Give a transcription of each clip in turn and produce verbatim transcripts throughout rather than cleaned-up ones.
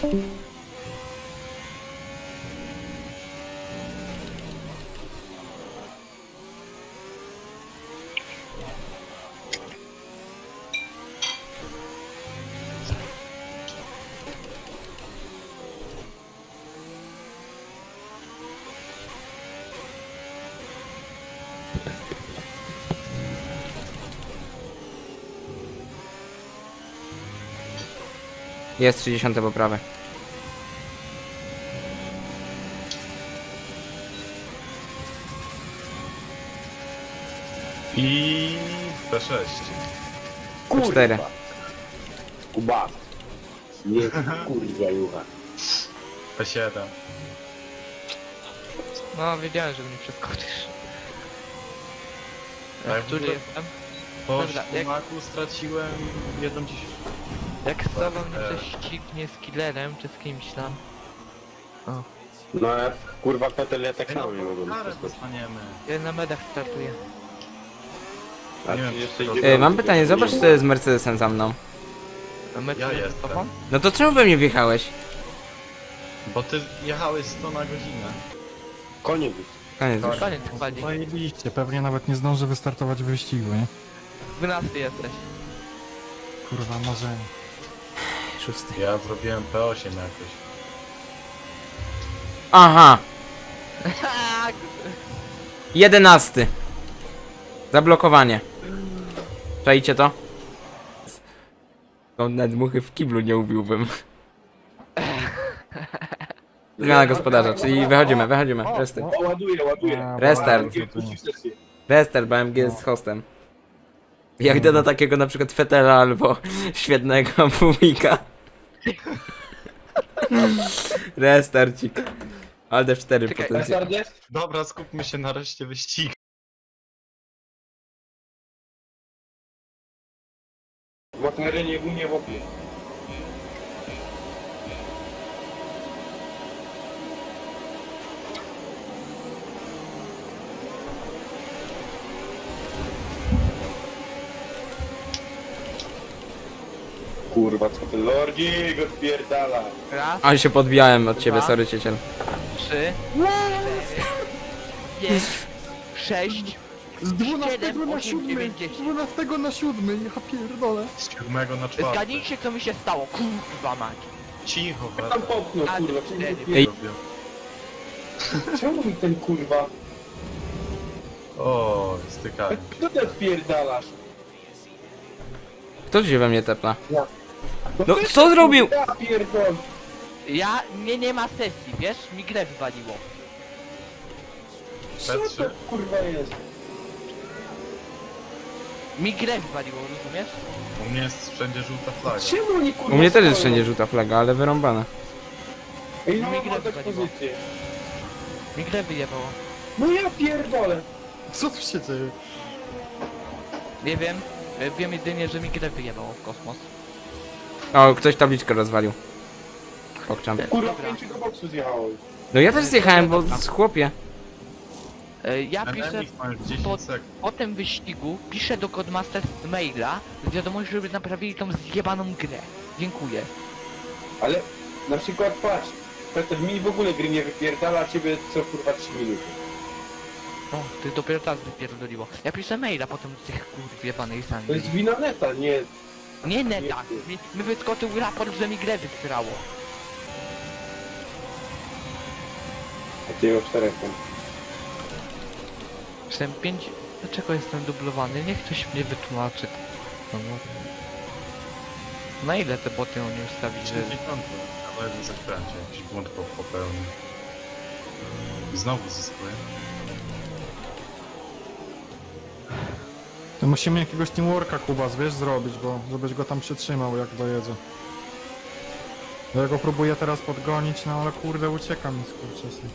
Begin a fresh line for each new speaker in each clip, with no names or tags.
Jest trzydzieste poprawę.
I P sześć.
P cztery.
Kuba. Nie, kurwa jucha.
P siedem.
No, wiedziałem, że mnie przeskoczysz.
Tak,
A który
w ogóle-
jestem?
Po
Dobra, jak-
sztumaku straciłem jedną dziesiątą.
Jak z tobą mnie
Eee.
coś ścignie z killerem, czy z kimś tam?
No ja kurwa Petel ja tak
Ej,
samo nie
no,
mogłem
karę
przeskoczyć.
dostaniemy.
Ja na medach startuję.
A
Nie wiem,
trzydzieści
czy to-
dziewięć
Ej, mam pytanie, zobacz co jest z Mercedesem za mną.
A my
Ja
co,
jestem.
z tobą?
No to czemu we mnie wjechałeś?
Bo ty jechałeś sto na godzinę.
Koniec.
Koniec już.
Koniec chwali.
Zajebiście, pewnie nawet nie zdążę wystartować w wyścigu, nie?
dwunasty jesteś.
Kurwa, marzenie.
Szósty.
Ja zrobiłem P osiem jakoś.
Aha! Jedenasty. Zablokowanie. Czajcie to? To nawet muchy w kiblu nie ubiłbym. Zmiana gospodarza, czyli wychodzimy, wychodzimy. Restart.
O, ładuję, ładuję.
A,
Restart.
Nie wpuścił sesję.
Restart, B M G jest hostem. Ja idę na takiego na przykład Fetela albo świetnego Bumika. Restarcik. Alde F cztery
Czekaj,
potencjał.
Restart jest?
Dobra, skupmy się na reszcie wyścigu.
W McLarenie u mnie w opie. Kurwa, co ty lordzik odpierdala.
Raz,
A się podbijałem od ciebie,
Dwa.
sorry cieciel.
trzy, cztery, pięć, sześć,
Z dwunastego na
osiem,
siódmy!
dziewięć,
Z
dziesięć.
dwunastego na siódmy, ja pierdolę.
Z siódmego na czwarty.
Zgadnijcie co mi się stało, kurwa mać.
Cicho,
Tam
wracam.
popchnął,
A,
kurwa.
cztery.
Ej.
Czemu mi ten kurwa?
O, stykanie.
Kto ty odpierdalasz?
Kto się we mnie tepla?
Ja.
No,
ty,
co zrobił?
Ja pierdol.
Ja, mnie nie ma sesji, wiesz? Mi grę wywaliło.
Co to kurwa jest?
Mi grę wywaliło, rozumiesz?
U mnie jest wszędzie żółta flaga.
Czemu oni kurwa
U mnie też jest
stoją?
wszędzie żółta flaga, ale wyrąbana.
Ej, no
Mi
mam
grę
tak
wywaliło.
pozycję.
Mi grę wyjebało.
No ja pierdolę.
Co tu się dzieje?
Nie wiem, e, wiem jedynie, że mi grę wyjebało w kosmos.
O, ktoś tabliczkę rozwalił. Pokczam.
Kurwa,
Dobra.
pięciu do boksu zjechałem.
No ja też zjechałem, bo z chłopie.
E, Ja piszę
Enemy ma już dziesięć
po,
sekund.
po tym wyścigu, piszę do Codemasters maila z wiadomością, żeby naprawili tą zjebaną grę. Dziękuję.
Ale na przykład patrz, Peter mi w ogóle gry nie wypierdala, a ciebie co kurwa trzy minuty.
O, ty dopiero teraz wypierdoliło. Ja piszę maila potem do tych kurw jebanej
To
sami.
jest wina neta, nie...
Nie neta, mi, mi wyskoczył raport, że mi grę wysrało.
Takiego czterech tam.
Jestem pięć... Dlaczego jestem dublowany? Niech ktoś mnie wytłumaczy. No, no. Na ile te boty oni ustawili, że...
dziewięćdziesiąt. Na lewym zakręcie. Jakiś błąd po- popełnił. I znowu zyskuję.
To musimy jakiegoś teamworka, Kubas, wiesz, zrobić, bo żebyś go tam przytrzymał, jak dojedzie. Ja go próbuję teraz podgonić, no ale kurde, ucieka mi skurczysy.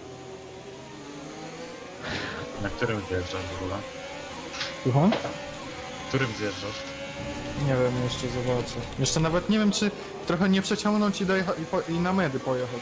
Na którym zjeżdżasz w ogóle?
Słucham?
Którym zjeżdżasz?
Nie wiem, jeszcze zobaczę. Jeszcze nawet nie wiem, czy trochę nie przeciągnąć i, dojecha- i, po- i na medy pojechać.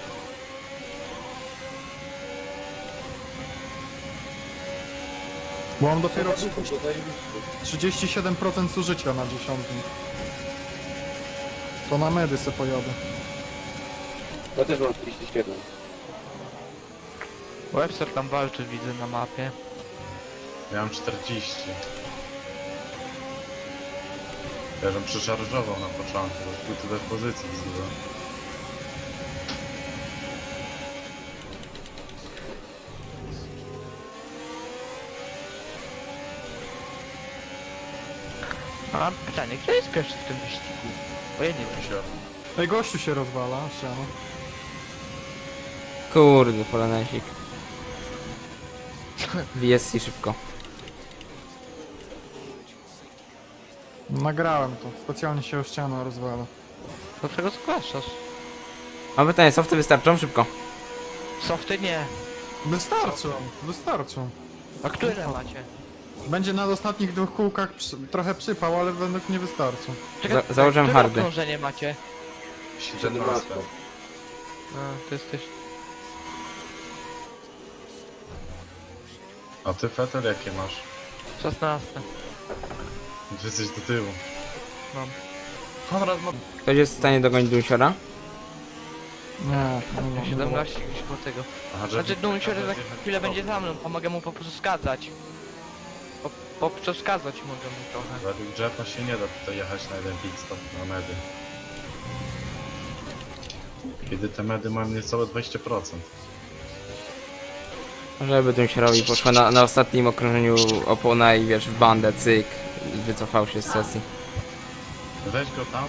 Bo mam dopiero trzydzieści siedem procent zużycia na dziesiątym. To na medy se pojadę.
Ja też mam trzydzieści siedem.
Webster tam walczy, widzę na mapie.
Ja mam czterdzieści. Ja żem przeszarżował na początku, bo był tyle pozycji wzywam.
A pytanie, kto jest pierwszy w tym wyścigu? Bo ja nie wiem.
Sio.
Ej, gościu się rozwala, ściano.
Kurde, polonesik. V S C szybko.
Nagrałem to, specjalnie się o ścianę rozwala.
Dlaczego zgłaszasz?
Mam pytanie, softy wystarczą? Szybko.
Softy nie.
Wystarczą, wystarczą.
A które macie?
Będzie na ostatnich dwóch kółkach przy, trochę przypał, ale według mnie wystarczą.
Za- założyłem
które
hardy.
okrążenie macie?
siedemnaście.
A, to jesteś...
A ty Fetel jakie masz?
szesnaste.
Ty jesteś do tyłu.
Mam.
Konrad ma...
Ktoś jest w stanie dogonić Dunsiora?
Nie, nie mam.
siedemnaście gdzieś po tego.
Aha, że...
Znaczy Dunsior za chwilę będzie za mną, pomogę mu po prostu skazać. Po, po przeszkadzać mogę mu trochę.
Według Jeffa się nie da tutaj jechać na jeden pit stop na medy. Kiedy te medy mają niecałe dwadzieścia procent.
Żeby Dunsiorowi poszła na, na ostatnim okrążeniu opona i wiesz, w bandę, cyk. Wycofał się z sesji.
Weź go tam.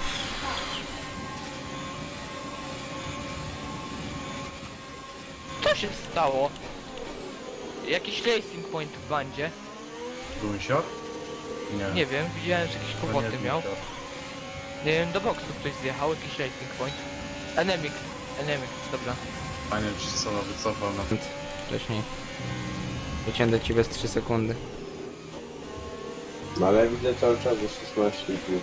Co się stało? Jakiś racing point w bandzie?
Dunsior? Nie.
Nie wiem, widziałem, że jakieś
to nie
kłopoty
jest
miał.
Dunsior.
Nie wiem, do boksu ktoś zjechał, jakiś racing point. Enemix, Enemix, dobra.
Fajnie, że się sama wycofał na...
Wcześniej. Wyciągnę ci bez trzy sekundy.
No ale widzę cały czas, że szesnaście i pół.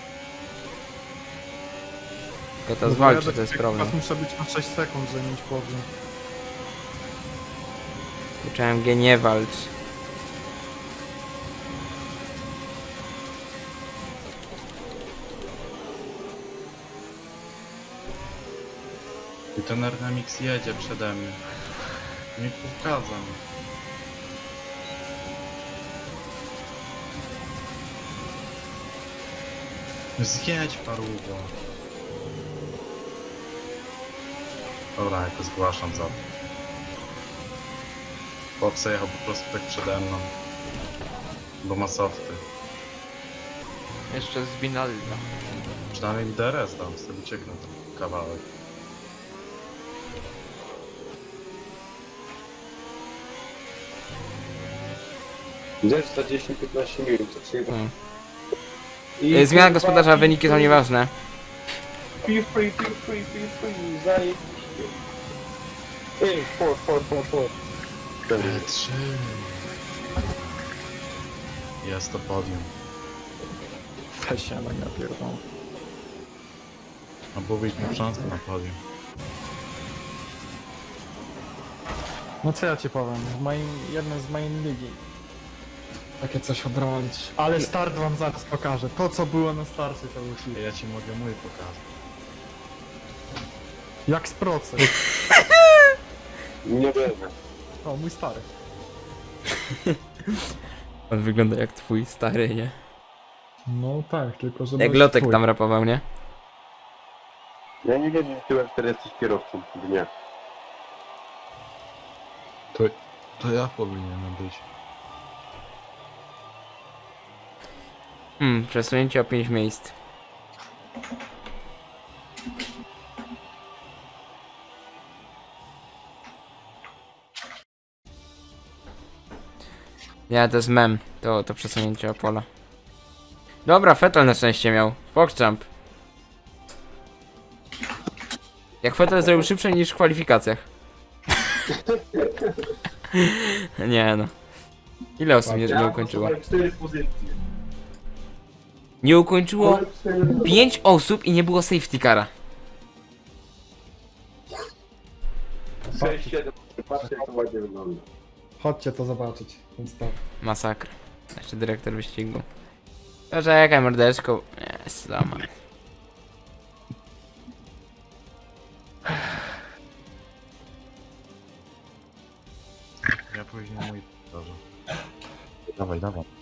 Tylko to zwalczy, to jest problem.
Teraz muszę być na sześć sekund, żeby mieć powrót.
Uczyłem G, nie walcz.
I ten Ernamix jedzie przede mnie. Nie przeszkadza mi. Zjedź parugo. Dobra, ja to zgłaszam za to. Chłopca jechał po prostu tak przede mną. Bo ma softy.
Jeszcze z Binalda.
Przynajmniej mi D R S dam, sobie ucieknę ten kawałek.
Widzę, że za dziesięć piętnaście minut, co przyjdę.
Hmm.
I
E, Zmiana
kurwa,
gospodarza, wyniki są nieważne.
Feel free, feel free, feel free, zajebiście. Ej, for, for, for, for.
P trzy. Jest to podium.
Weź się, no ja pierdolę.
A byłbyśmy szansę na podium.
No co ja ci powiem, w moim, jednym z main ligi. Takie coś odrobić. Ale start wam zaraz pokażę. To co było na starcie to był hit.
Ja ci mogę mój pokazać.
Jak z procy.
Nie wiem.
O, mój stary.
On wygląda jak twój stary, nie?
No tak, tylko żeby...
Jak Lotek tam rapował, nie?
Ja nie wierzę, że ty wtedy jesteś kierowcą dnia.
To, to ja powinienem być.
Hmm, przesunięcie o pięć miejsc. Ja, to jest mem, to, to przesunięcie o pola. Dobra, Vettel na szczęście miał. Pogchamp. Jak Vettel zrobił szybsze niż w kwalifikacjach. Nie no. Ile osób nie, nie ukończyło?
cztery pozycje.
Nie ukończyło pięć osób i nie było safety cara.
sześć, siedem, patrzcie jak to ładnie wygląda.
Chodźcie to zobaczyć, ten start.
Masakra. Jeszcze dyrektor wyścigu. Poczekaj, mordeczko. Jest, zama.
później mój... Dobrze. Dawaj, dawaj.